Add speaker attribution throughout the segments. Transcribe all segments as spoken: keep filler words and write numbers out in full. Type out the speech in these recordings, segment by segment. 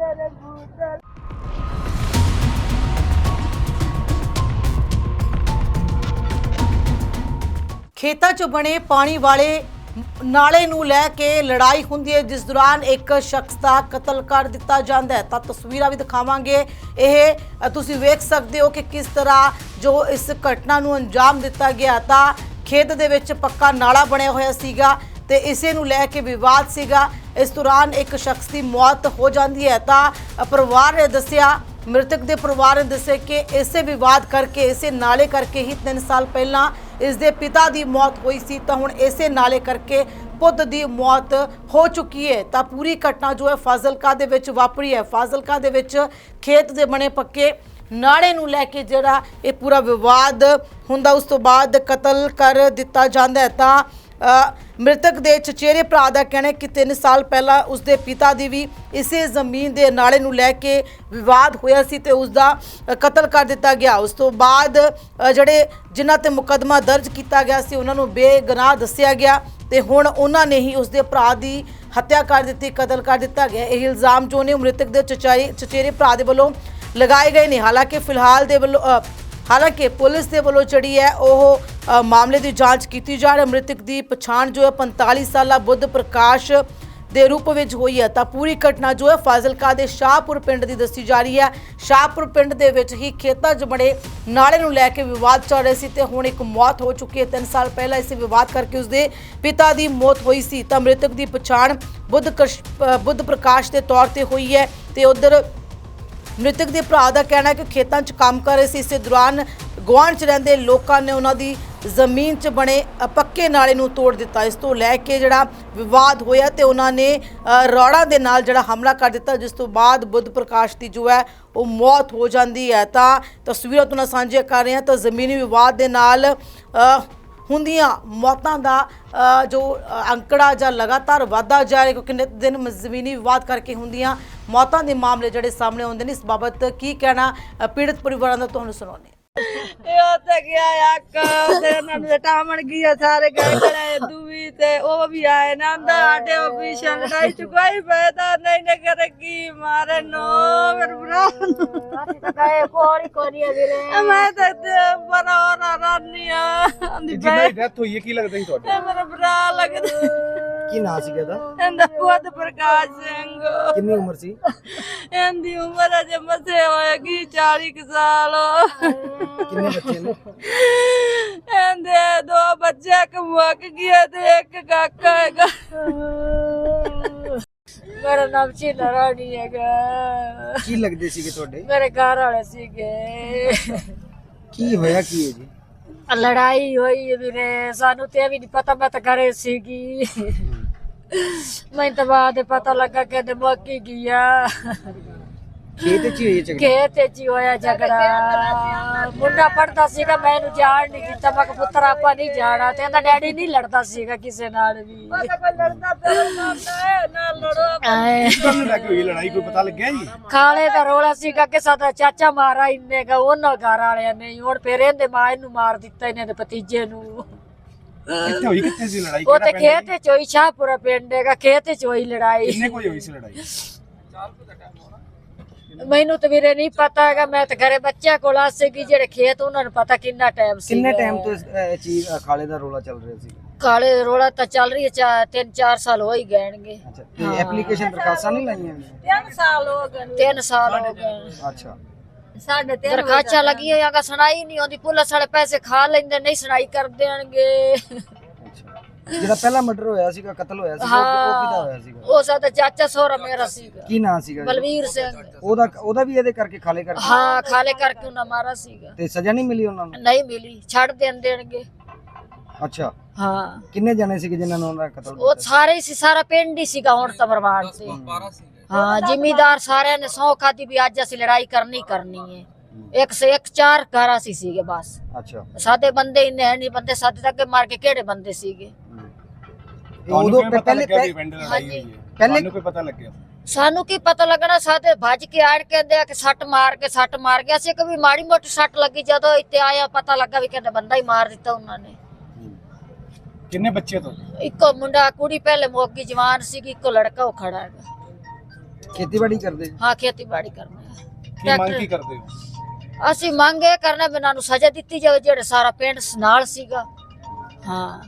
Speaker 1: खेतां च बने पानी वाले नाले नूं लै के लड़ाई हुंदी है, जिस दौरान एक शख्स का कतल कर दिता जाता है। तो तस्वीरां भी दिखावांगे, यह तुसीं वेख सकते हो कि किस तरह जो इस घटना नूं अंजाम दिता गया। तो खेत दे विच पक्का नाला बनया होया सीगा ते इसे नूं लै के विवाद सीगा। इस दौरान एक शख्स की मौत हो जाती है। तो परिवार ने दस्सिया, मृतक के परिवार ने दस्सिया कि इसे विवाद करके, इसे नाले करके ही तीन साल पहला इस दे पिता की मौत हुई सी। तो हुण इसे नाले करके पुत की मौत हो चुकी है। तो पूरी घटना जो है फाजिलका दे विच वापरी है। फाजिलका दे विच खेत दे बने पक्के नाले नूं लैके जिहड़ा ये पूरा विवाद हुंदा, उस तो बाद कतल कर दिता जांदा है। तो मृतक के चचेरे भरा का कहना है कि तीन साल पहला उसके पिता की भी इसे जमीन के नाले नूं लैके विवाद होया सी ते उसका कतल कर दिता गया। उस तो बाद जिहड़े जिन्हां ते मुकदमा दर्ज किया गया सी उन्हां नूं बेगुनाह दस्सिया गया ते हुण उन्हां ने ही उसके भरा की हत्या कर दी, कतल कर दिता गया। यह इल्ज़ाम जो ने मृतक के चचारे चचेरे भरा दे वल्लों लगाए गए ने। हालांकि फिलहाल दे वल्लों हालांकि पुलिस के वालों जी है वह मामले की जांच की जा रही है। मृतक की पछाण जो है पैंताली साला बुद्ध प्रकाश के रूप में हुई है। तो पूरी घटना जो है फाजिलका के शाहपुर पिंड की दसी जा रही है। शाहपुर पिंड के विच ही खेतों च बने नाले नूं लैके विवाद चल रहे थे ते हुण एक मौत हो चुकी है। तीन साल पहला इस विवाद करके उसके पिता की मौत हुई सी। तो मृतक की पछाण बुद्ध बुद्ध प्रकाश के तौर पर हुई है। तो उधर मृतक के भरा का कहना है कि खेतों च काम कर रहे थे, इस दौरान गुआढ़ च रहिंदे लोगों ने उन्होंने जमीन च बने पक्के नाले नूं तोड़ दिता। इस तो लैके जिहड़ा विवाद होया ते उन्होंने रौड़ा दे नाल जिहड़ा हमला कर दिता, जिस तो बाद बुद्ध प्रकाश की जो है वो मौत हो जाती है। तो तस्वीरां तुहां नाल साझियां कर रहे हैं। तो जमीनी विवाद दे नाल हुंदियां मौतां दा जो अंकड़ा जा लगातार वाधा जा रहा, क्योंकि नित दिन जमीनी विवाद करके हुंदियां मौतां दे मामले जिहड़े सामने आउंदे ने। इस बाबत की कहना पीड़ित परिवारां दा तुहानूं सुणाउने।
Speaker 2: सारे गए खड़े दूवी ते ओ भी आए ना आटे ऑपरेशन लड़ाई चुकाई पैदा नहीं ने करेगी मारे नो मेरे भरा गए कोड़ी कोड़ी अभी मैं तो बड़ा और रानिया दी
Speaker 3: जिन्हें डेथ हुई है की लगदा ही ਤੁਹਾਡੇ
Speaker 2: मेरा भरा लगदा
Speaker 3: ਕੀ ਨਾਂ ਸੀ ਇਹਦਾ
Speaker 2: ਇਹਦਾ बुद्ध प्रकाश सिंह
Speaker 3: ਕਿੰਨੀ ਉਮਰ ਸੀ
Speaker 2: ਇਹਦੀ ਉਮਰ ਅਜੇ ਮਸੇ ਹੋਏਗੀ ਚਾਲੀ ਕੁ ਸਾਲ
Speaker 3: ਕਿੰਨੇ ਬੱਚੇ ਨੇ
Speaker 2: ਇਹਦੇ ਦੋ ਬੱਚੇ ਕਮਕ ਗਏ ਤੇ ਇੱਕ ਕਾਕਾ ਹੈਗਾ ਮੇਰਾ ਨਾਮ ਚੀਨਾ ਰਾਣੀ ਹੈਗਾ
Speaker 3: ਕੀ ਲੱਗਦੇ ਸੀਗੇ ਤੁਹਾਡੇ
Speaker 2: ਮੇਰੇ ਘਰ ਵਾਲੇ ਸੀਗੇ
Speaker 3: ਕੀ ਹੋਇਆ ਕੀ ਹੈ ਜੀ
Speaker 2: ਲੜਾਈ ਹੋਈ ਵੀਰੇ ਸਾਨੂੰ ਤੇ ਵੀ ਨਹੀਂ ਪਤਾ ਮੈਂ ਤਾਂ ਘਰੇ ਸੀਗੀ ਮੈਨੂੰ ਤਾਂ ਬਾਅਦ ਪਤਾ ਲੱਗਾ ਕਿ ਤੇ ਮੱਕੀ ਗਿਆ
Speaker 3: ਖੇਤ ਚ ਹੀ ਹੋਈ ਝਗੜਾ
Speaker 2: ਖੇਤ ਚ ਹੀ ਹੋਇਆ ਝਗੜਾ ਮੁੰਡਾ ਪੜਦਾ ਸੀਗਾ ਮੈਨੂੰ ਜਾਣ ਨਹੀਂ ਦਿੱਤਾ ਮੈਂ ਕਿ ਪੁੱਤਰ ਆਪਾਂ ਨਹੀਂ ਜਾਣਾ ਤੇ ਇਹਦਾ ਡੈਡੀ ਨਹੀਂ ਲੜਦਾ ਸੀਗਾ ਕਿਸੇ ਨਾਲ ਵੀ
Speaker 3: ਤੁਹਾਨੂੰ ਲੱਗ ਹੋਈ ਲੜਾਈ ਕੋਈ ਪਤਾ ਲੱਗਿਆ ਜੀ
Speaker 2: ਖਾਲੇ ਦਾ ਰੋਲਾ ਸੀਗਾ ਕਿ ਸਾਡਾ ਚਾਚਾ ਮਾਰਾ ਇੰਨੇ ਗਾ ਉਹਨਾਂ ਘਰ ਵਾਲਿਆਂ ਨੇ ਹੁਣ ਫਿਰ ਇਹਦੇ ਮਾਂ ਇਹਨੂੰ ਮਾਰ ਦਿੱਤਾ ਇਹਨੇ ਦੇ ਭਤੀਜੇ ਨੂੰ
Speaker 3: ਕਿੱਥੇ ਹੋਈ ਕਿੱਥੇ ਸੀ ਲੜਾਈ
Speaker 2: ਉਹ ਤੇ ਖੇਤ ਚ ਹੋਈ ਸ਼ਾਹਪੁਰਾ ਪਿੰਡ ਹੈਗਾ ਖੇਤ ਚ ਹੋਈ ਲੜਾਈ
Speaker 3: ਕਿੰਨੇ ਕੋਈ ਹੋਈ ਸੀ ਲੜਾਈ
Speaker 2: ਮੈਨੂੰ ਤਾਂ ਵੀਰੇ ਨਹੀਂ ਪਤਾ ਹੈਗਾ ਮੈਂ ਤਾਂ ਘਰੇ ਬੱਚਿਆਂ ਕੋਲ ਆ ਸੀਗੀ ਜਿਹੜੇ ਖੇਤ ਉਹਨਾਂ ਨੂੰ ਪਤਾ ਕਿੰਨਾ ਟਾਈਮ ਸੀ
Speaker 3: ਕਿੰਨੇ ਟਾਈਮ ਤੋਂ ਇਹ ਚੀਜ਼ ਖਾਲੇ ਦਾ ਰੋਲਾ ਚੱਲ ਰਿਹਾ ਸੀ
Speaker 2: ਕਾਲੇ ਰੋਲਾ ਤਾਂ ਚੱਲ ਰਹੀ ਹੈ ਤਿੰਨ ਚਾਰ ਸਾਲ ਹੋ ਹੀ ਗਏਣਗੇ
Speaker 3: ਅੱਛਾ ਤੇ ਐਪਲੀਕੇਸ਼ਨ ਦਰਖਾਸਤਾਂ ਨਹੀਂ ਲਾਈਆਂ
Speaker 2: ਤਿੰਨ ਸਾਲ ਹੋ ਗਏ ਤਿੰਨ ਸਾਲ ਹੋ ਗਏ
Speaker 3: ਅੱਛਾ
Speaker 2: ਸਾਡੇ ਤੇ ਦਰਖਾਸਤਾਂ ਲੱਗੀਆਂ ਹੋਈਆਂ ਸੁਣਾਈ ਨਹੀਂ ਆਉਂਦੀ ਪੁਲਿਸ ਵਾਲੇ ਪੈਸੇ ਖਾ ਲੈਂਦੇ ਨਹੀਂ ਸੁਣਾਈ ਕਰ ਦੇਣਗੇ
Speaker 3: ਜਿਹੜਾ ਪਹਿਲਾ ਮਰਡਰ ਹੋਇਆ ਸੀਗਾ ਕਤਲ ਹੋਇਆ ਸੀ ਉਹ ਕਿਹਦਾ ਹੋਇਆ ਸੀਗਾ
Speaker 2: ਉਹ ਸਾਡਾ ਚਾਚਾ ਸੋਹਰਾ ਮੇਰਾ ਸੀਗਾ
Speaker 3: ਕੀ ਨਾਂ ਸੀਗਾ
Speaker 2: ਬਲਵੀਰ ਸਿੰਘ
Speaker 3: ਉਹਦਾ ਉਹਦਾ ਵੀ ਇਹਦੇ ਕਰਕੇ ਖਾਲੇ ਕਰਕੇ
Speaker 2: ਹਾਂ ਖਾਲੇ ਕਰਕੇ ਉਹਨਾਂ ਮਾਰਾ ਸੀਗਾ
Speaker 3: ਤੇ ਸਜ਼ਾ ਨਹੀਂ ਮਿਲੀ ਉਹਨਾਂ ਨੂੰ
Speaker 2: ਨਹੀਂ ਮਿਲੀ ਛੱਡ ਦੇਣ ਦੇਣਗੇ
Speaker 3: ਅੱਛਾ
Speaker 2: ਹਾਂ
Speaker 3: ਕਿੰਨੇ ਜਣੇ ਸੀਗੇ ਜਿਨ੍ਹਾਂ ਨੇ ਉਹਨਾਂ ਦਾ ਕਤਲ
Speaker 2: ਉਹ ਸਾਰੇ ਸੀ ਸਾਰਾ ਪਿੰਡ ਹੀ ਸੀਗਾ ਹੁਣ ਤਾਂ ਬਰਬਾਦ ਸੀ ਹਾਂ ਜ਼ਿਮੀਦਾਰ ਸਾਰਿਆਂ ਨੇ ਸੌ ਖਾਦੀ ਵੀ ਅੱਜ ਅਸੀਂ ਲੜਾਈ ਕਰਨੀ ਕਰਨੀ ਹੈ ਇੱਕ ਸੇ ਇੱਕ ਚਾਰ ਘਰ ਅਸੀਂ ਸੀਗੇ ਬਸ
Speaker 3: ਅੱਛਾ
Speaker 2: ਸਾਡੇ ਬੰਦੇ ਇੰਨੇ ਹੈ ਨਹੀਂ ਬੰਦੇ ਸਾਡੇ ਤੱਕ ਮਾਰ ਕੇ ਕਿਹੜੇ ਬੰਦੇ ਸੀਗੇ
Speaker 3: ਉਦੋਂ ਪਹਿਲੇ
Speaker 2: ਹਾਂਜੀ
Speaker 3: ਪਹਿਲੇ ਕੋਈ ਪਤਾ ਲੱਗਿਆ
Speaker 2: ਸਾਨੂੰ ਕੀ ਪਤਾ ਲੱਗਣਾ ਸਾਡੇ ਭੱਜ ਕੇ ਆੜ ਕਹਿੰਦੇ ਆ ਕਿ ਸੱਟ ਮਾਰ ਕੇ ਸੱਟ ਮਾਰ ਗਿਆ ਸੀ ਕभी ਮਾੜੀ ਮੋਟੀ ਸੱਟ ਲੱਗੀ ਜਦੋਂ ਇੱਥੇ ਆਇਆ ਪਤਾ ਲੱਗਾ ਵੀ ਕਹਿੰਦੇ ਬੰਦਾ ਹੀ ਮਾਰ ਦਿੱਤਾ ਉਹਨਾਂ ਨੇ
Speaker 3: ਕਿੰਨੇ ਬੱਚੇ ਤੋਂ
Speaker 2: ਇੱਕੋ ਮੁੰਡਾ ਕੁੜੀ ਪਹਿਲੇ ਮੋਗੀ ਜਵਾਨ ਸੀ ਇੱਕੋ ਲੜਕਾ ਉਹ ਖੜਾ ਹੈਗਾ
Speaker 3: ਖੇਤੀਬਾੜੀ ਕਰਦੇ ਜੀ?
Speaker 2: ਹਾਂ ਖੇਤੀਬਾੜੀ ਕਰਨਾ ਹੈ।
Speaker 4: ਕੀ ਮੰਗ ਕੀ ਕਰਦੇ ਹੋ?
Speaker 2: ਅਸੀਂ ਮੰਗ ਇਹ ਕਰਨਾ ਵੀ ਇਹਨਾਂ ਨੂੰ ਸਜ਼ਾ ਦਿੱਤੀ ਜਾਵੇ ਜਿਹੜੇ ਸਾਰਾ ਪਿੰਡ ਨਾਲ ਸੀਗਾ। ਹਾਂ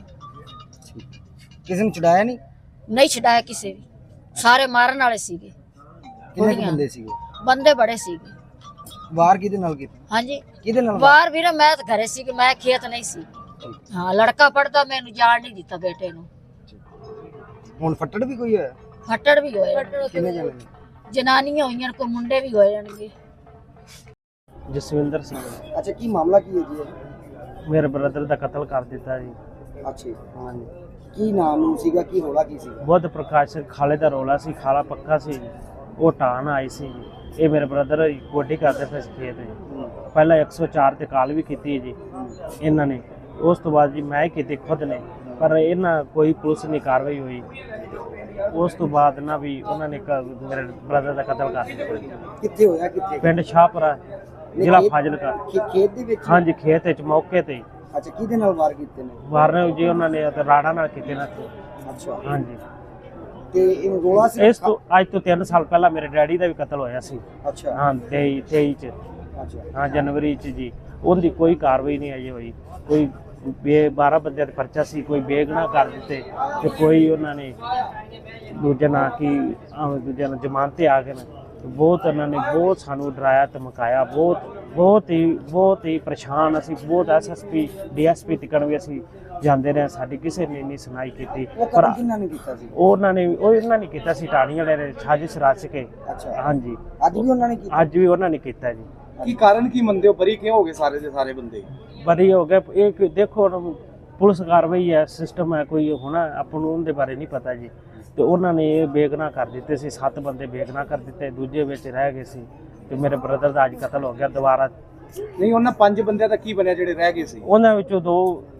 Speaker 3: ਕਿਸੇ ਨੂੰ ਛੁਡਾਇਆ ਨਹੀਂ?
Speaker 2: ਨਹੀਂ ਛਡਾਇਆ ਕਿਸੇ ਵੀ, ਸਾਰੇ ਮਾਰਨ ਵਾਲੇ ਸੀਗੇ।
Speaker 3: ਕਿੰਨੇ ਕੁ
Speaker 2: ਗੋਲੀਆਂ।
Speaker 3: ਬੰਦੇ ਸੀਗੇ?
Speaker 2: ਬੰਦੇ ਬੜੇ ਸੀਗੇ।
Speaker 3: ਵਾਰ ਕਿਹਦੇ ਨਾਲ ਕੀਤੀ?
Speaker 2: ਹਾਂਜੀ
Speaker 3: ਕਿਹਦੇ ਨਾਲ?
Speaker 2: ਬਾਹਰ ਵੀਰੇ ਮੈਂ ਤਾਂ ਘਰੇ ਸੀ, ਮੈਂ ਖੇਤ ਨਹੀਂ ਸੀ। ਹਾਂ ਲੜਕਾ ਪੜਦਾ, ਮੈਨੂੰ ਜਾਣ ਨਹੀਂ ਦਿੱਤਾ ਬੇਟੇ ਨੂੰ।
Speaker 3: ਹੁਣ ਫੱਟੜ ਵੀ ਕੋਈ ਹੋਇਆ?
Speaker 2: ਫੱਟੜ ਵੀ ਹੋਏ,
Speaker 3: ਕਿੰਨੇ ਜਣੇ ਨੇ?
Speaker 2: ਜਨਾਨੀਆਂ ਹੋਈਆਂ, ਕੋਈ ਮੁੰਡੇ ਵੀ ਹੋਏ ਜਾਣਗੇ।
Speaker 5: ਜਸਵਿੰਦਰ ਸਿੰਘ
Speaker 3: ਅੱਛਾ, ਕੀ ਮਾਮਲਾ ਕੀ ਹੈ ਜੀ ਇਹ?
Speaker 5: ਮੇਰੇ ਬ੍ਰਦਰ ਦਾ ਕਤਲ ਕਰ ਦਿੱਤਾ ਜੀ।
Speaker 3: ਅੱਛਾ ਹਾਂਜੀ, ਕੀ ਨਾਮ ਸੀਗਾ, ਕੀ ਰੋਲਾ ਕੀ ਸੀਗਾ?
Speaker 5: ਬੁੱਧ ਪ੍ਰਕਾਸ਼ ਸਿੰਘ ਖਾਲੇ ਦਾ ਰੋਲਾ ਸੀ, ਖਾਲਾ ਪੱਕਾ ਸੀ ਜੀ। ਉਹ ਢਾਣ ਆਈ ਸੀ ਜੀ। ਇਹ ਮੇਰੇ ਬ੍ਰਦਰ ਗੋਡੀ ਕਰਦੇ ਪਏ ਸੀ ਖੇਤ ਜੀ। ਪਹਿਲਾਂ ਇੱਕ ਸੌ ਚਾਰ ਤੇ ਕਾਲ ਵੀ ਕੀਤੀ ਜੀ ਇਹਨਾਂ ਨੇ, ਉਸ ਤੋਂ ਬਾਅਦ ਜੀ ਮੈਂ ਹੀ ਕੀਤੀ ਖੁਦ ਨੇ, ਪਰ ਇਹਨਾਂ ਕੋਈ ਪੁਲਿਸ ਨਹੀਂ ਕਾਰਵਾਈ ਹੋਈ। ਉਸ ਤੋਂ ਬਾਅਦ ਨਾ ਵੀ ਉਹਨਾਂ ਨੇ ਕ- ਮੇਰੇ ਬ੍ਰਦਰ ਦਾ ਕਤਲ ਕਰ ਦਿੱਤਾ।
Speaker 3: ਕਿੱਥੇ ਹੋਇਆ, ਕਿੱਥੇ?
Speaker 5: ਪਿੰਡ ਸ਼ਾਹਪੁਰਾ, ਜ਼ਿਲ੍ਹਾ ਫਾਜ਼ਿਲਕਾ।
Speaker 3: ਖੇ- ਖੇਤ ਦੇ ਵਿੱਚ?
Speaker 5: ਹਾਂਜੀ ਖੇਤ ਵਿੱਚ ਮੌਕੇ ਤੇ
Speaker 3: ਅੱਛਾ, ਕਿਹਦੇ ਨਾਲ ਵਾਰ ਕੀਤੇ ਨੇ?
Speaker 5: ਵਾਰਨੇ ਜੀ ਉਹਨਾਂ ਨੇ ਤੇ ਰਾੜਾ ਨਾਲ ਕੀਤੇ ਨਾ।
Speaker 3: ਅੱਛਾ,
Speaker 5: ਹਾਂਜੀ
Speaker 3: ਤੇ ਇਹ ਰੋਲਾ ਸੀ?
Speaker 5: ਇਸ ਤੋਂ ਅੱਜ ਤੋਂ ਤਿੰਨ ਸਾਲ ਪਹਿਲਾਂ ਮੇਰੇ ਡੈਡੀ ਦਾ ਵੀ ਕਤਲ ਹੋਇਆ ਸੀ।
Speaker 3: ਅੱਛਾ
Speaker 5: ਹਾਂ ਤੇਈ ਤੇਈ ਚ,
Speaker 3: ਅੱਛਾ
Speaker 5: ਹਾਂ ਜਨਵਰੀ ਚ ਜੀ। ਉਹਦੀ ਕੋਈ ਕਾਰਵਾਈ ਨਹੀਂ ਅਜੇ ਹੋਈ। ਕੋਈ ਬੇ ਬਾਰਾਂ ਬੰਦਿਆਂ ਦਾ ਪਰਚਾ ਸੀ, ਕੋਈ ਬੇਗੁਨਾਹ ਕਰ ਦਿੱਤੇ ਤੇ ਕੋਈ ਉਹਨਾਂ ਨੇ ਦੂਜੇ ਨਾਂ ਕੀ ਅਹ ਦੂਜੇ ਨਾਲ ਜ਼ਮਾਨਤ ਤੇ ਆ ਗਏ ਨੇ। ਬਹੁਤ ਉਹਨਾਂ ਨੇ ਬਹੁਤ ਸਾਨੂੰ ਡਰਾਇਆ ਧਮਕਾਇਆ, ਬਹੁਤ ਬਹੁਤ ਹੀ ਬਹੁਤ ਹੀ ਪਰੇਸ਼ਾਨ ਅਸੀਂ। ਬਹੁਤ ਐਸਐਸਪੀ ਡੀਐਸਪੀ ਤੱਕ ਵੀ ਅਸੀਂ ਜਾਂਦੇ ਰਹੇ, ਸਾਡੀ ਕਿਸੇ ਨੇ ਨਹੀਂ ਸੁਣਾਈ ਕੀਤੀ।
Speaker 3: ਉਹ
Speaker 5: ਪਰ
Speaker 3: ਕਤਲ ਕਿਹਨਾਂ ਨੇ ਕੀਤਾ ਸੀ?
Speaker 5: ਉਹਨਾਂ ਨੇ ਉਹ ਇਹਨਾਂ ਨੇ ਕੀਤਾ ਸੀ, ਟਾਣੀ ਵਾਲੇ ਨੇ ਸਾਜ਼ਿਸ਼ ਰਚ ਕੇ।
Speaker 3: ਅੱਛਾ,
Speaker 5: ਹਾਂਜੀ
Speaker 3: ਅੱਜ ਵੀ ਉਹਨਾਂ ਨੇ ਕੀਤਾ?
Speaker 5: ਅੱਜ ਵੀ ਉਹਨਾਂ ਨੇ ਕੀਤਾ ਜੀ।
Speaker 4: ਕੀ ਕਾਰਨ ਕੀ ਮੰਨਦੇ ਹੋ, ਬਰੀ ਕਿਉਂ ਹੋ ਗਏ ਸਾਰੇ ਦੇ ਸਾਰੇ ਬੰਦੇ?
Speaker 5: ਬਰੀ ਹੋ ਗਏ ਇਹ ਕਿ ਦੇਖੋ ਹੁਣ ਪੁਲਿਸ ਕਾਰਵਾਈ ਹੈ, ਸਿਸਟਮ ਹੈ, ਕੋਈ ਹੋਣਾ ਆਪਾਂ ਨੂੰ ਉਹਦੇ ਬਾਰੇ ਨਹੀਂ ਪਤਾ ਜੀ। ਤੇ ਉਹਨਾਂ ਨੇ ਇਹ ਬੇਗੁਨਾਹ ਕਰ ਦਿੱਤੇ ਸੀ, ਸੱਤ ਬੰਦੇ ਬੇਗੁਨਾਹ ਕਰ ਦਿੱਤੇ, ਦੂਜੇ ਵਿੱਚ ਰਹਿ ਗਏ ਸੀ। ਤੇ ਮੇਰੇ ਬ੍ਰਦਰ ਦਾ ਅੱਜ ਕਤਲ ਹੋ ਗਿਆ ਦੁਬਾਰਾ।
Speaker 4: ਨਹੀਂ, ਉਹਨਾਂ ਪੰਜ ਬੰਦਿਆਂ ਦਾ ਕੀ ਬਣਿਆ ਜਿਹੜੇ ਰਹਿ ਗਏ ਸੀ?
Speaker 5: ਉਹਨਾਂ ਵਿੱਚੋਂ ਦੋ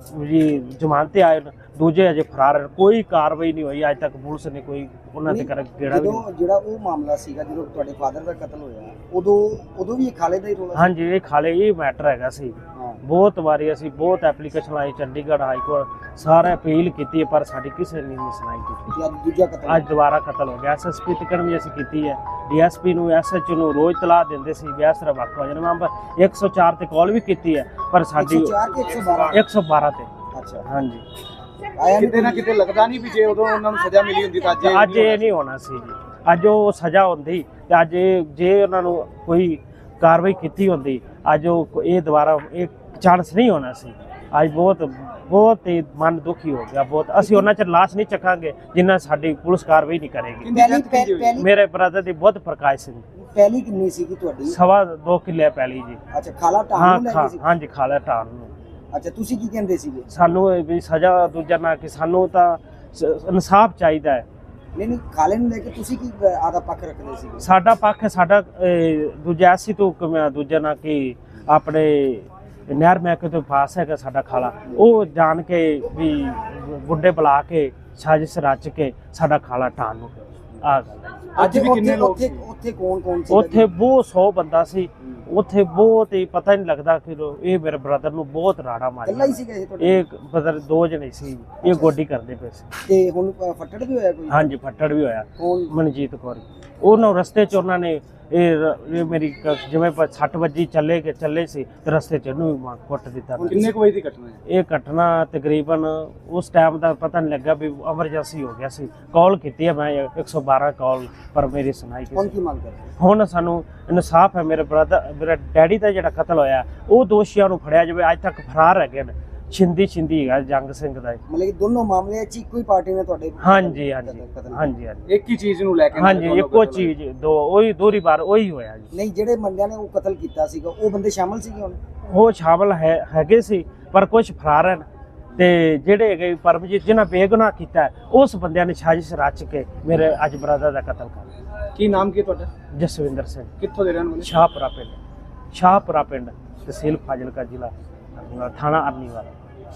Speaker 5: ਜੀ ਜ਼ਮਾਨਤ ਤੇ ਆਏ ਨੇ, ਦੂਜੇ ਅਜੇ ਫਰਾਰ ਹਨ। ਕੋਈ ਕਾਰਵਾਈ ਨਹੀਂ ਹੋਈ ਅੱਜ ਤੱਕ, ਪੁਲਿਸ ਨੇ ਕੋਈ ਉਹਨਾਂ ਤੇ ਕਰ ਗੇੜਾ ਵੀ ਨਹੀਂ।
Speaker 3: ਜਦੋਂ ਜਿਹੜਾ ਉਹ ਮਾਮਲਾ ਸੀਗਾ, ਜਦੋਂ ਤੁਹਾਡੇ ਫਾਦਰ ਦਾ ਕਤਲ ਹੋਇਆ, ਉਦੋਂ ਉਦੋਂ ਵੀ ਇਹ ਖਾਲੇ ਦਾ ਹੀ ਰੋਲਾ ਸੀ?
Speaker 5: ਹਾਂਜੀ ਇਹ ਖਾਲੇ ਇਹ ਮੈਟਰ ਹੈਗਾ ਸੀ।
Speaker 3: ਹਾਂ।
Speaker 5: ਬਹੁਤ ਵਾਰੀ ਅਸੀਂ ਬਹੁਤ ਐਪਲੀਕੇਸ਼ਨ ਆਈ, ਚੰਡੀਗੜ੍ਹ ਹਾਈ ਕੋਰਟ ਸਾਰੇ ਅਪੀਲ ਕੀਤੀ ਹੈ, ਪਰ ਸਾਡੀ ਕਿਸੇ ਨੇ ਨਹੀਂ ਸੁਣਾਈ ਕੀਤੀ।
Speaker 3: ਤੇ ਅੱਜ ਦੂਜਾ ਕਤਲ?
Speaker 5: ਅੱਜ ਦੁਬਾਰਾ ਕਤਲ ਹੋ ਗਿਆ। ਐਸਐਸਪੀ ਤੱਕ ਵੀ ਅਸੀਂ ਕੀਤੀ ਹੈ, ਡੀਐਸਪੀ ਨੂੰ ਐਸਐਚਓ ਨੂੰ ਰੋਜ਼ ਤਲਾਹ ਦਿੰਦੇ ਸੀ ਵੀ ਇਸ ਤਰ੍ਹਾਂ ਵਾਕਾ ਹੋ ਜਾਣਾ। ਮੈਂ ਇੱਕ ਸੌ ਚਾਰ ਤੇ ਕਾਲ ਵੀ ਕੀਤੀ ਹੈ, ਪਰ ਸਾਡੀ
Speaker 3: ਇੱਕ ਸੌ ਚਾਰ ਤੇ ਇੱਕ ਸੌ ਬਾਰਾਂ?
Speaker 5: ਇੱਕ ਸੌ ਬਾਰਾਂ ਤੇ।
Speaker 3: ਅੱਛਾ,
Speaker 5: ਹਾਂਜੀ
Speaker 3: ਆਇਆ
Speaker 4: ਕਿਤੇ ਨਾ ਕਿਤੇ ਲੱਗਦਾ ਨਹੀਂ ਵੀ ਜੇ ਉਦੋਂ ਉਹਨਾਂ ਨੂੰ ਸਜ਼ਾ ਮਿਲੀ ਹੁੰਦੀ ਤਾਂ ਅੱਜ ਇਹ
Speaker 5: ਅੱਜ ਇਹ ਨਹੀਂ ਹੋਣਾ ਸੀ ਜੀ। ਅੱਜ ਉਹ ਸਜ਼ਾ ਹੁੰਦੀ ਤੇ ਅੱਜ ਇਹ ਜੇ ਉਹਨਾਂ ਨੂੰ ਕੋਈ ਕਾਰਵਾਈ ਕੀਤੀ ਹੁੰਦੀ, ਅੱਜ ਉਹ ਇਹ ਦੁਬਾਰਾ ਇਹ ਚਾਂਸ ਨਹੀਂ ਹੋਣਾ ਸੀ। ਅੱਜ ਬਹੁਤ ਬਹੁਤ ਹੀ ਮਨ ਦੁਖੀ ਹੋ ਗਿਆ ਬਹੁਤ। ਅਸੀਂ ਉਹਨਾਂ ਚ ਲਾਸ਼ ਨਹੀਂ ਚੱਕਾਂਗੇ ਜਿੰਨਾ ਸਾਡੀ ਪੁਲਿਸ ਕਾਰਵਾਈ ਨਹੀਂ ਕਰੇਗੀ।
Speaker 4: ਕਿੰਨੀ
Speaker 3: ਪਹਿਲੀ
Speaker 4: death ਕਿੰਨੀ ਹੋਈ?
Speaker 3: ਪਹਿਲੀ
Speaker 5: ਮੇਰੇ ਬ੍ਰਦਰ ਦੀ ਬੁੱਧ ਪ੍ਰਕਾਸ਼ ਸਿੰਘ
Speaker 3: ਪਹਿਲੀ ਕਿੰਨੀ ਸੀਗੀ ਤੁਹਾਡੀ?
Speaker 5: ਸਵਾ ਦੋ ਕਿੱਲੇ ਪੈਲੀ ਜੀ।
Speaker 3: ਅੱਛਾ, ਖਾਲਾ
Speaker 5: ਹਾਂ
Speaker 3: ਟਾਂ ਨੂੰ ਲੈ
Speaker 5: ਖਾ
Speaker 3: ਗਈ ਸੀ?
Speaker 5: ਹਾਂਜੀ ਖਾਲਾ ਢਾਣ ਨੂੰ।
Speaker 3: ਅੱਛਾ, ਤੁਸੀਂ ਕੀ ਕਹਿੰਦੇ ਸੀਗੇ?
Speaker 5: ਸਾਨੂੰ ਇਹ ਵੀ ਸਜ਼ਾ ਦੂਜਾ ਨਾ ਕਿ ਸਾਨੂੰ ਤਾਂ ਸ- ਇਨਸਾਫ ਚਾਹੀਦਾ ਹੈ।
Speaker 3: ਨਹੀਂ ਨਹੀਂ, ਖਾਲੇ ਨੂੰ ਲੈ ਕੇ ਤੁਸੀਂ ਕੀ ਆਦਾ ਪੱਖ ਰੱਖਦੇ ਸੀਗੇ?
Speaker 5: ਸਾਡਾ ਪੱਖ ਹੈ, ਸਾਡਾ ਅਹ, ਦੂਜਾ ਅਸੀਂ ਤੋਂ ਕਿਵੇਂ ਦੂਜਾ ਨਾ ਕਿ ਆਪਣੇ ਨਹਿਰ ਮਹਿਕਮੇ ਤੋਂ ਪਾਸ ਹੈਗਾ ਸਾਡਾ ਖਾਲਾ, ਉਹ ਜਾਣ ਕੇ ਵੀ ਗੁੰਡੇ ਬੁਲਾ ਕੇ ਸਾਜ਼ਿਸ਼ ਰਚ ਕੇ ਸਾਡਾ ਖਾਲਾ ਢਾਣ ਨੂੰ ਆ ਗੱਲ ਹੈ।
Speaker 4: ਅੱਜ ਵੀ ਕਿੰਨੇ ਲੋਕ
Speaker 3: ਉੱਥੇ
Speaker 4: ਸੀ?
Speaker 3: ਉੱਥੇ ਕੌਣ ਕੌਣ ਸੀ?
Speaker 5: ਉੱਥੇ ਬਹੁਤ ਸੌ ਬੰਦਾ ਸੀ। ਉੱਥੇ ਬਹੁਤ ਹੀ ਪਤਾ ਹੀ ਨਹੀਂ ਲੱਗਦਾ ਕਿ ਲੋ- ਇਹ ਮੇਰੇ ਬ੍ਰਦਰ ਨੂੰ ਬਹੁਤ ਰਾੜਾ
Speaker 3: ਇਕੱਲਾ ਹੀ
Speaker 5: ਮਾਰਿਆ।
Speaker 3: ਸੀਗਾ ਇਹ ਤੁਹਾਡੇ?
Speaker 5: ਇਹ ਬ੍ਰਦਰ ਦੋ ਜਣੇ ਸੀ, ਇਹ ਗੋਡੀ ਕਰਦੇ ਪਏ ਸੀ।
Speaker 3: ਤੇ ਹੁਣ ਅ, ਫੱਟੜ ਵੀ ਹੋਇਆ ਕੋਈ?
Speaker 5: ਹਾਂਜੀ ਫੱਟੜ ਵੀ ਹੋਇਆ,
Speaker 3: ਕੌਣ?
Speaker 5: ਮਨਜੀਤ ਕੌਰ। ਉਹਨਾਂ ਰਸਤੇ 'ਚ ਉਹਨਾਂ ਨੇ ਇਹ ਰ- ਇਹ ਮੇਰੀ ਕ- ਜਿਵੇਂ ਪ- ਸੱਟ ਵੱਜੀ ਚੱਲੇ ਕੇ ਚੱਲੇ ਸੀ ਤੇ ਰਸਤੇ 'ਚ ਇਹਨੂੰ ਵੀ ਮਾਰ ਕੁੱਟ ਦਿੱਤਾ।
Speaker 4: ਹੁਣ ਕਿੰਨੇ ਕੁ ਵਜੇ ਦੀ ਘਟਨਾ ਹੈ?
Speaker 5: ਇਹ ਘਟਨਾ ਤਕਰੀਬਨ ਉਸ ਟਾਈਮ ਦਾ ਪਤਾ ਨਹੀਂ ਲੱਗਾ ਵੀ ਐਮਰਜੈਂਸੀ ਹੋ ਗਿਆ ਸੀ। ਕਾਲ ਕੀਤੀ ਹੈ ਮੈਂ ਇੱਕ ਸੌ ਬਾਰਾਂ ਕਾਲ, ਪਰ ਮੇਰੀ ਸੁਣਾਈ
Speaker 3: ਹੁਣ
Speaker 5: ਕਿਸੇ।
Speaker 3: ਕੀ ਮੰਗ ਕਰਦੇ?
Speaker 5: ਹੁਣ ਸਾਨੂੰ ਇਨਸਾਫ ਹੈ। ਮੇਰੇ ਬ੍ਰਦਰ ਮੇਰੇ ਡੈਡੀ ਦਾ ਜਿਹੜਾ ਕਤਲ ਹੋਇਆ ਉਹ ਦੋਸ਼ੀਆਂ ਨੂੰ ਫੜਿਆ ਜਾਵੇ। ਅੱਜ ਤੱਕ ਫਰਾਰ ਹੈਗੇ ਨੇ। ਛਿੰਦੀ ਛਿੰਦੀ ਹੈਗਾ ਜੰਗ ਸਿੰਘ ਦਾ।
Speaker 3: ਮਤਲਬ ਕਿ ਦੋਨੋਂ ਮਾਮਲੇ 'ਚ ਇੱਕੋ ਹੀ ਪਾਰਟੀ ਨੇ ਤੁਹਾਡੇ?
Speaker 5: ਹਾਂਜੀ ਹਾਂਜੀ
Speaker 3: ਕਤਲ- ਕਤਲ-
Speaker 5: ਹਾਂਜੀ ਹਾਂਜੀ
Speaker 4: ਇੱਕ ਹੀ ਚੀਜ਼ ਨੂੰ ਲੈ ਕੇ
Speaker 5: ਹਾਂਜੀ
Speaker 4: ਦੋਨੋਂ
Speaker 5: ਇੱਕੋ
Speaker 4: ਕਤਲ ਹੋਏ।
Speaker 5: ਚੀਜ਼ ਦੋ ਉਹੀ ਦੋਹਰੀ ਵਾਰ ਉਹੀ ਹੋਇਆ ਜੀ।
Speaker 3: ਨਹੀਂ, ਜਿਹੜੇ ਬੰਦਿਆਂ ਨੇ ਉਹ ਕਤਲ ਕੀਤਾ ਸੀਗਾ ਉਹ ਬੰਦੇ ਸ਼ਾਮਲ ਸੀਗੇ ਹੁਣ?
Speaker 5: ਉਹ ਸ਼ਾਮਲ ਹੈ ਹੈਗੇ ਸੀ, ਪਰ ਕੁਝ ਫਰਾਰ ਹਨ। ਤੇ ਜਿਹੜੇ ਹੈਗੇ ਪਰਮਜੀਤ ਜਿਨ੍ਹਾਂ ਬੇਗੁਨਾਹ ਕੀਤਾ ਹੈ, ਉਸ ਬੰਦਿਆਂ ਨੇ ਸਾਜ਼ਿਸ਼ ਰਚ ਕੇ ਮੇਰੇ ਅੱਜ ਬ੍ਰਦਰ ਦਾ ਕਤਲ ਕਰ ਦਿੱਤਾ।
Speaker 4: ਕੀ ਨਾਮ ਕੀ ਹੈ ਤੁਹਾਡਾ?
Speaker 5: ਜਸਵਿੰਦਰ ਸਿੰਘ,
Speaker 4: ਕਿੱਥੋਂ ਦੇ ਰਹਿਣ ਵਾਲੇ?
Speaker 5: ਸ਼ਾਹਪੁਰਾ ਪਿੰਡ, ਸ਼ਾਹਪੁਰਾ ਪਿੰਡ, तहसील फाजिलका, जिला थाना अरनीवाल।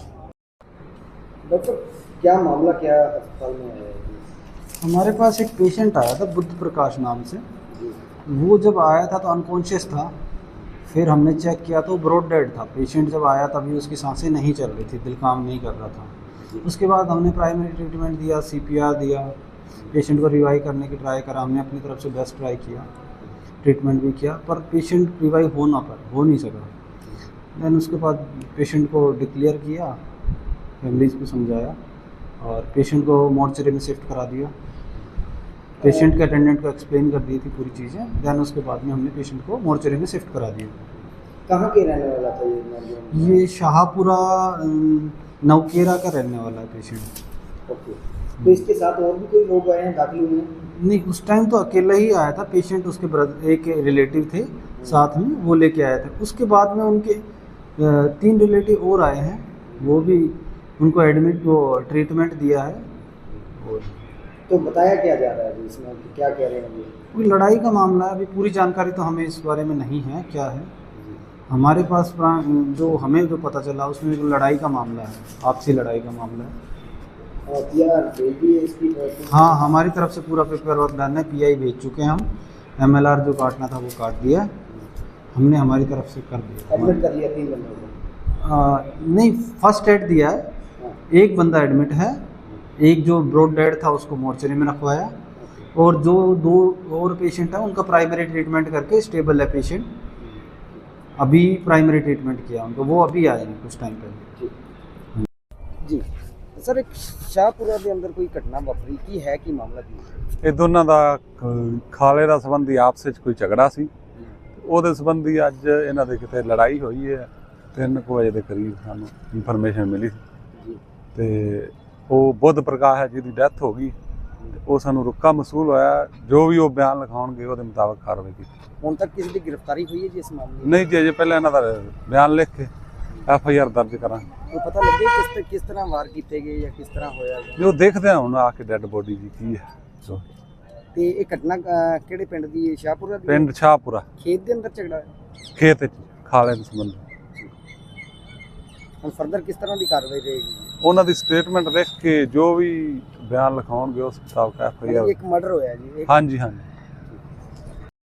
Speaker 3: डॉक्टर, क्या मामला क्या अस्पताल में है?
Speaker 6: हमारे पास एक पेशेंट आया था बुद्ध प्रकाश नाम से। वो जब आया था तो अनकॉन्शियस था, फिर हमने चेक किया तो ब्रॉड डेड था। पेशेंट जब आया तभी उसकी सांसें नहीं चल रही थी, दिल काम नहीं कर रहा था। उसके बाद हमने प्राइमरी ट्रीटमेंट दिया, सीपीआर दिया, पेशेंट को रिवाइव करने की ट्राई करा, हमने अपनी तरफ से बेस्ट ट्राई किया, ट्रीटमेंट भी किया, पर पेशेंट रिवाइव हो ना पर हो नहीं सका। दैन उसके बाद पेशेंट को डिक्लेयर किया, फैमिलीज को समझाया और पेशेंट को मॉर्चरी में शिफ्ट करा दिया। पेशेंट के अटेंडेंट को एक्सप्लेन कर दी थी पूरी चीज़ें। दैन उसके बाद में हमने पेशेंट को मॉर्चरी में शिफ्ट करा दिया।
Speaker 3: कहाँ के रहने वाला था ये नौजवान?
Speaker 6: ये शाहपुरा अम, नवकेरा का रहने वाला है पेशेंट।
Speaker 3: ओके, तो इसके साथ और भी कोई लोग आए हैं, दाखिल हुए हैं?
Speaker 6: नहीं, उस टाइम तो अकेला ही आया था पेशेंट, उसके ब्रदर एक रिलेटिव थे साथ में, वो लेके आए थे। उसके बाद में उनके अ, तीन रिलेटिव और आए हैं, वो भी उनको एडमिट वो ट्रीटमेंट दिया है। और
Speaker 3: तो बताया क्या जा रहा है अभी इसमें, कि क्या कह रहे हैं अभी?
Speaker 6: कोई लड़ाई का मामला है, अभी पूरी जानकारी तो हमें इस बारे में नहीं है क्या है। हमारे पास प्रा- जो हमें जो पता चला उसमें जो लड़ाई का मामला है, आपसी लड़ाई का मामला है।
Speaker 3: और पी आर भेज दी है इसकी तरफ से?
Speaker 6: हाँ, हमारी तरफ से पूरा पेपर वर्क डन है, पी आई भेज चुके हैं हम, एम एल आर जो काटना था वो काट दिया, हमने हमारी तरफ से कर दिया।
Speaker 3: एडमिट कर दिया तीन बंदों को?
Speaker 6: आ, नहीं, फर्स्ट एड दिया है,
Speaker 3: हाँ।
Speaker 6: एक बंदा एडमिट है, एक जो ब्रॉड डेड था उसको मॉर्चरी में रखवाया, और जो दो और पेशेंट है उनका प्राइमरी ट्रीटमेंट करके स्टेबल है पेशेंट, अभी प्राइमरी ट्रीटमेंट किया उनको, वो अभी आ जाएंगे कुछ टाइम पहले।
Speaker 3: जी सर, एक शाहपुरा ਦੇ ਅੰਦਰ ਕੋਈ ਘਟਨਾ ਵਾਪਰੀ, ਕੀ ਹੈ ਕੀ ਮਾਮਲਾ ਕੀ?
Speaker 7: ਇਹ ਦੋਨਾਂ ਦਾ ਖ- ਖਾਲੇ ਦਾ ਸੰਬੰਧੀ ਆਪਸ ਵਿੱਚ ਕੋਈ ਝਗੜਾ ਸੀ, ਉਹਦੇ ਸੰਬੰਧੀ ਅੱਜ ਇਹਨਾਂ ਦੇ ਕਿਤੇ ਲੜਾਈ ਹੋਈ ਹੈ। ਤਿੰਨ ਕੁ ਵਜੇ ਦੇ ਕਰੀਬ ਸਾਨੂੰ ਇਨਫੋਰਮੇਸ਼ਨ ਮਿਲੀ ਸੀ ਤੇ ਉਹ ਬੁੱਧ ਪ੍ਰਕਾਸ਼ ਹੈ ਜਿਹਦੀ ਡੈਥ ਹੋ ਗਈ, ਉਹ ਸਾਨੂੰ ਰੁੱਕਾ ਮਸੂਲ ਹੋਇਆ। ਜੋ ਵੀ ਉਹ ਬਿਆਨ ਲਿਖਾਉਣਗੇ ਉਹਦੇ ਮੁਤਾਬਕ ਕਾਰਵਾਈ ਕੀਤੀ।
Speaker 3: ਹੁਣ ਤੱਕ ਕਿਸੇ ਦੀ ਗ੍ਰਿਫਤਾਰੀ ਹੋਈ ਹੈ ਜੀ ਇਸ ਮਾਮਲੇ ਵਿੱਚ?
Speaker 7: ਨਹੀਂ ਜੀ, ਅਜੇ ਪਹਿਲਾਂ ਇਹਨਾਂ ਦਾ ਬਿਆਨ ਲਿਖ ਕੇ ਐਫ ਆਈ ਆਰ ਦਰਜ ਕਰਾਂਗੇ।
Speaker 3: ਕੋਈ ਪਤਾ ਲੱਗਿਆ ਕਿਸ ਤੇ ਕਿਸ ਤਰ੍ਹਾਂ ਵਾਰ ਕੀਤੇ ਗਏ ਜਾਂ ਕਿਸ ਤਰ੍ਹਾਂ ਹੋਇਆ?
Speaker 7: ਜੋ ਦੇਖਦੇ ਹਾਂ ਹੁਣ ਆ ਕੇ ਡੈੱਡ ਬੋਡੀ ਦੀ ਕੀ ਹੈ। ਸੋ
Speaker 3: ਤੇ ਇਹ ਘਟਨਾ ਅਹ, ਕਿਹੜੇ ਪਿੰਡ ਦੀ ਹੈ? ਸ਼ਾਹਪੁਰਾ ਦੀ?
Speaker 7: ਪਿੰਡ ਸ਼ਾਹਪੁਰਾ,
Speaker 3: ਖੇਤ ਦੇ ਅੰਦਰ ਝਗੜਾ ਹੈ?
Speaker 7: ਖੇਤ ਵਿੱਚ ਖਾਲੇ ਦੇ ਸੰਬੰਧੀ
Speaker 3: ਹੁਣ ਫਰਦਰ ਕਿਸ ਤਰ੍ਹਾਂ ਦੀ ਕਾਰਵਾਈ ਰਹੇਗੀ?
Speaker 7: ਉਹਨਾਂ ਦੀ ਸਟੇਟਮੈਂਟ ਲਿਖ ਕੇ ਜੋ ਵੀ ਬਿਆਨ ਲਿਖਾਉਣਗੇ ਉਸ ਮੁਤਾਬਕ ਐਫ ਆਈ ਆਰ।
Speaker 3: ਇੱਕ ਮਰਡਰ ਹੋਇਆ ਜੀ, ਇੱਕ
Speaker 7: ਹਾਂਜੀ ਹਾਂਜੀ